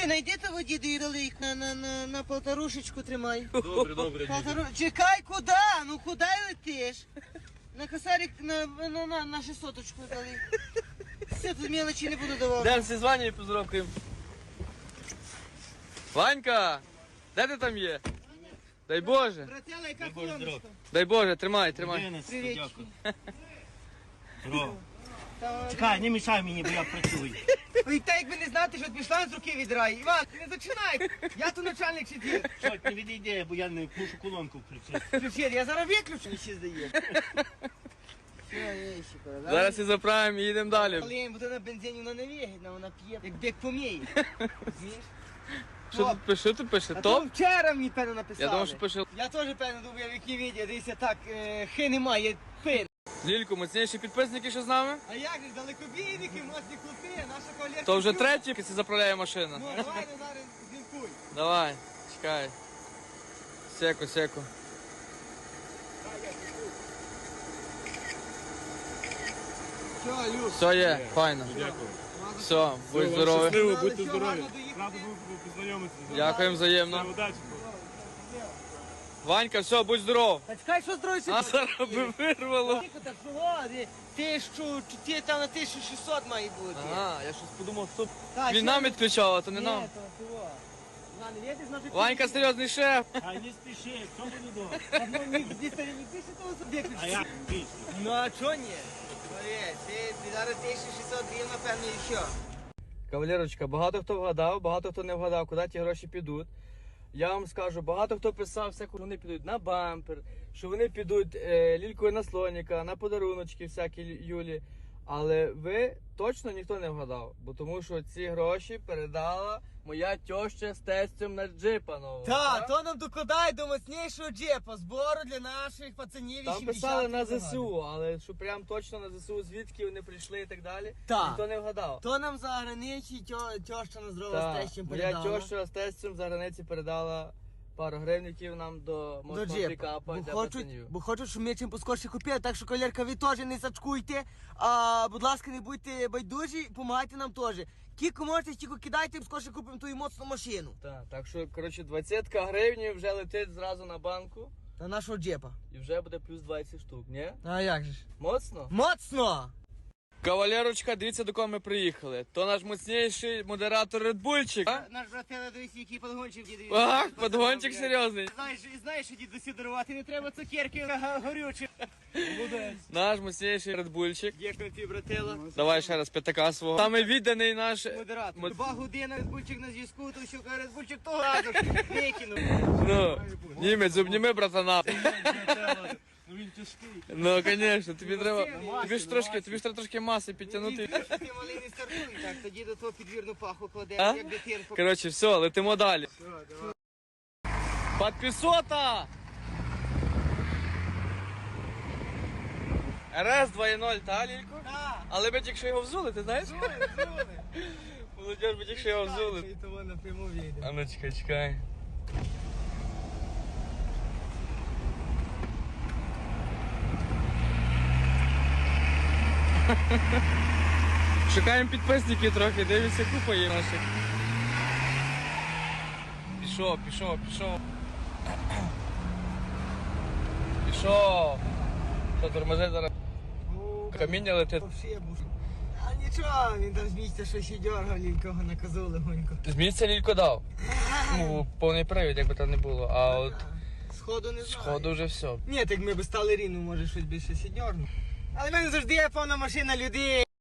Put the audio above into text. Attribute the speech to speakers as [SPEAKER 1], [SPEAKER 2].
[SPEAKER 1] Чуй, найди того діду і ролик на полторушечку тримай.
[SPEAKER 2] Добре.
[SPEAKER 1] Чекай, куди? Ну куди летиш? На косарик на 600-очку дали. Все, тут мелочі не буду давати.
[SPEAKER 2] Дем всі звання і поздоровкаємо. Ванька, де ти там є? Дай Боже.
[SPEAKER 1] Братела, яка колоночка?
[SPEAKER 2] Дай Боже, тримай.
[SPEAKER 1] Привіт.
[SPEAKER 3] Чекай, не мішай мені, бо я працюю.
[SPEAKER 1] Ой, та якби не знати, що пішла з руки відрай. Іван, ти не зачинай. Я тут начальник сидів.
[SPEAKER 3] Що, не відійде, бо я не мушу колонку включити.
[SPEAKER 1] Ключі, я зараз виключу, мені ще здає.
[SPEAKER 2] Зараз і заправимо і їдемо далі.
[SPEAKER 1] Але їм буде на бензині, вона не вигідна, вона п'є, як бек поміє. Розумієш?
[SPEAKER 2] Що тут пише?
[SPEAKER 1] А то
[SPEAKER 2] Топ?
[SPEAKER 1] вчора мені певно написали.
[SPEAKER 2] Я думав, що пише.
[SPEAKER 1] Я теж певно думаю, в якій відео, дивіться так, хи немає, пин.
[SPEAKER 2] Лілько, міцніші підписники, що з нами?
[SPEAKER 1] А як же, далекобійники, моцні клопи, наша кавалерка.
[SPEAKER 2] То вже третій, це заправляє машина.
[SPEAKER 1] Ну, давай, зараз зімкуй.
[SPEAKER 2] Давай, чекай. Секу.
[SPEAKER 1] Все, Люк.
[SPEAKER 2] Все є, файно.
[SPEAKER 4] Дякую.
[SPEAKER 2] Все, будь здоровий.
[SPEAKER 4] Щасливо, будьте
[SPEAKER 1] Все,
[SPEAKER 4] здорові.
[SPEAKER 1] гарно доїхати.
[SPEAKER 4] Рада був познайомитися.
[SPEAKER 2] Дякуємо взаємно.
[SPEAKER 4] Удачі.
[SPEAKER 2] Ванька, все, будь здоров.
[SPEAKER 1] Та чекай, що строїться?
[SPEAKER 2] А зараз би вирвало.
[SPEAKER 1] Ти там на 1600 має бути.
[SPEAKER 2] Ага, я щось подумав, хто
[SPEAKER 1] Та,
[SPEAKER 2] він
[SPEAKER 1] ще
[SPEAKER 2] нам
[SPEAKER 1] не-
[SPEAKER 2] відключав, а то не
[SPEAKER 1] Ні,
[SPEAKER 2] нам.
[SPEAKER 1] то того. Іван, видиш, значить,
[SPEAKER 2] Ванька серйозний шеф.
[SPEAKER 3] Ай, не спіши, все буде добре.
[SPEAKER 1] Ну, не пише того суб'єкту.
[SPEAKER 3] А я більше.
[SPEAKER 1] Ну, а чого ні? Смотри, ти зараз 1600 гривень, напевно, і що?
[SPEAKER 2] Кавалерочка, багато хто вгадав, багато хто не вгадав, куди ті гроші підуть. Я вам скажу, багато хто писав, що вони підуть на бампер, що вони підуть лількою на слоніка, на подаруночки всякі Юлі. Але ви точно ніхто не вгадав, бо тому що ці гроші передала моя тьоща з тестем на джипа нового.
[SPEAKER 1] Так, то нам докладає до мощнішого джепа, збору для наших пацанів.
[SPEAKER 2] Там писали на ЗСУ, але що прям точно на ЗСУ, звідки вони прийшли і так далі,
[SPEAKER 1] Так.
[SPEAKER 2] ніхто не вгадав.
[SPEAKER 1] То нам за границі тьоща на здорово з
[SPEAKER 2] Так,
[SPEAKER 1] тещем
[SPEAKER 2] моя
[SPEAKER 1] передала.
[SPEAKER 2] тьоща з тестем за границі передала пару гривників нам до
[SPEAKER 1] До
[SPEAKER 2] мощного
[SPEAKER 1] джепа.
[SPEAKER 2] пікапа для
[SPEAKER 1] Бо
[SPEAKER 2] пацанів.
[SPEAKER 1] хочуть, щоб ми чим поскорше купили, так що, колірка, ви теж не сачкуйте, а, будь ласка, не будьте байдужі, допомагайте нам теж. Кілько можете, стільки кидайте, скорше купимо ту моцну машину.
[SPEAKER 2] Так що, коротше, 20 гривень вже летить зразу на банку
[SPEAKER 1] На нашого джепа.
[SPEAKER 2] і вже буде плюс 20 штук, ні?
[SPEAKER 1] А як же ж?
[SPEAKER 2] Моцно?
[SPEAKER 1] Моцно!
[SPEAKER 2] Кавалерочка, дивіться, до кого ми приїхали. То наш моцніший модератор Редбульчик.
[SPEAKER 1] Наш брателе, дивись, який подгончик дідові.
[SPEAKER 2] Ах, подгончик серйозний.
[SPEAKER 1] Знаєш, що дідусі дарувати не треба цукерки горючі.
[SPEAKER 2] Наш моцніший Редбульчик.
[SPEAKER 1] Дякую тобі, брателло.
[SPEAKER 2] Давай ще раз п'ятака свого. Саме відданий наш...
[SPEAKER 1] Модератор. 2 години Резбульчик на зв'язку, то що каже Резбульчик того разу викинув.
[SPEAKER 2] Ну, німець, обніми, братана.
[SPEAKER 4] Ну він тяжкий.
[SPEAKER 2] Ну, звісно, тобі треба... Тобі ж треба трошки маси підтягнути.
[SPEAKER 1] Ти малий не стартуй, так, тоді до того підвірну паху кладе,
[SPEAKER 2] А?
[SPEAKER 1] як дитинку.
[SPEAKER 2] Коротше, все, летимо далі. Подписота! РС 2.0, та, Лілько?
[SPEAKER 1] Так,
[SPEAKER 2] Але ми тільки що його взули, ти знаєш?
[SPEAKER 1] зули.
[SPEAKER 2] Молодіж, ми тільки що його взули.
[SPEAKER 1] І того напряму вийде.
[SPEAKER 2] А ну чекай. Шукаємо підписників трохи, дивіться, купа є наших. Пішов. Що, тормози зараз? Каміння летить.
[SPEAKER 1] Вообще буш. А нічого, він там з місця щось і дергав, лінького на козу легонько.
[SPEAKER 2] З місця Лілько дав. Ну, повний привід, якби там не було. А от
[SPEAKER 1] Сходу не знаю.
[SPEAKER 2] сходу вже все.
[SPEAKER 1] Ні, так ми б стали рівно, може щось більше сідьорно. Але в мене завжди є повна машина людей.